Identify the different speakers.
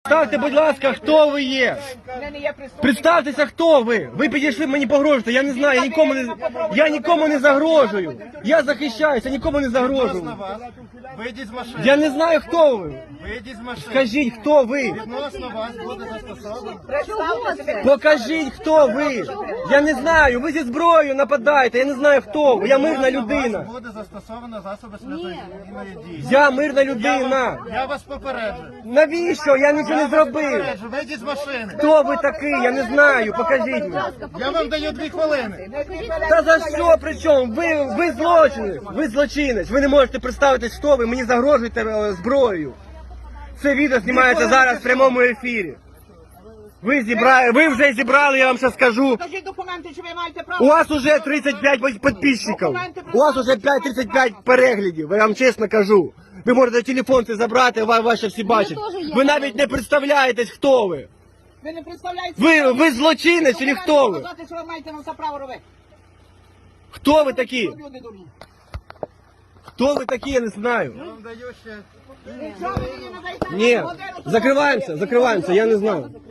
Speaker 1: Представте, будь ласка, хто ви є? Представтеся, хто ви? Ви підійшли, мені погрожуєте, я не знаю, я нікому не загрожую. Я захищаюся, нікому не загрожую.
Speaker 2: Вийдіть з машини.
Speaker 1: Я не знаю, хто ви.
Speaker 2: Вийдіть з машини.
Speaker 1: Скажіть, хто ви?
Speaker 2: Відносно вас буде застосовано.
Speaker 1: Покажіть, хто ви. Я не знаю, ви зі зброєю нападаєте, я не знаю, хто ви. Я мирна людина.
Speaker 2: Вас буде застосовано засоби слідної дії.
Speaker 1: Я мирна людина.
Speaker 2: Я вас попереджу.
Speaker 1: Навіщо? Я нічого не зробив.
Speaker 2: Попереджу, вийдіть з машини.
Speaker 1: Хто ви такий? Я не знаю, покажіть мені.
Speaker 2: Я вам даю 2 хвилини.
Speaker 1: Та за що при чому? Ви злочинець, ви злочинець. Ви не можете представитись, хто ви, мені загрожуєте зброєю. Це відео знімається зараз в прямому ефірі. Ви вже зібрали, я вам ще скажу.
Speaker 3: Покажіть документи, чи ви маєте право.
Speaker 1: У вас уже 35 підписчиків. У вас уже 35 переглядів, я вам чесно кажу. Ви можете телефон це забрати, ваші всі бачать. Ви навіть не представляєтесь, хто ви.
Speaker 3: Ви не представляєте.
Speaker 1: Ви злочинець чи хто ви?
Speaker 3: Сказати, що ви маєте на це право робити.
Speaker 1: Хто ви такі?
Speaker 3: Люди дурні.
Speaker 1: Хто ви такі, я не знаю.
Speaker 2: Я вам даю ще...
Speaker 3: Якщо ви мені не даєте
Speaker 1: Ні,
Speaker 3: годину, то
Speaker 1: закриваємося, я не знаю.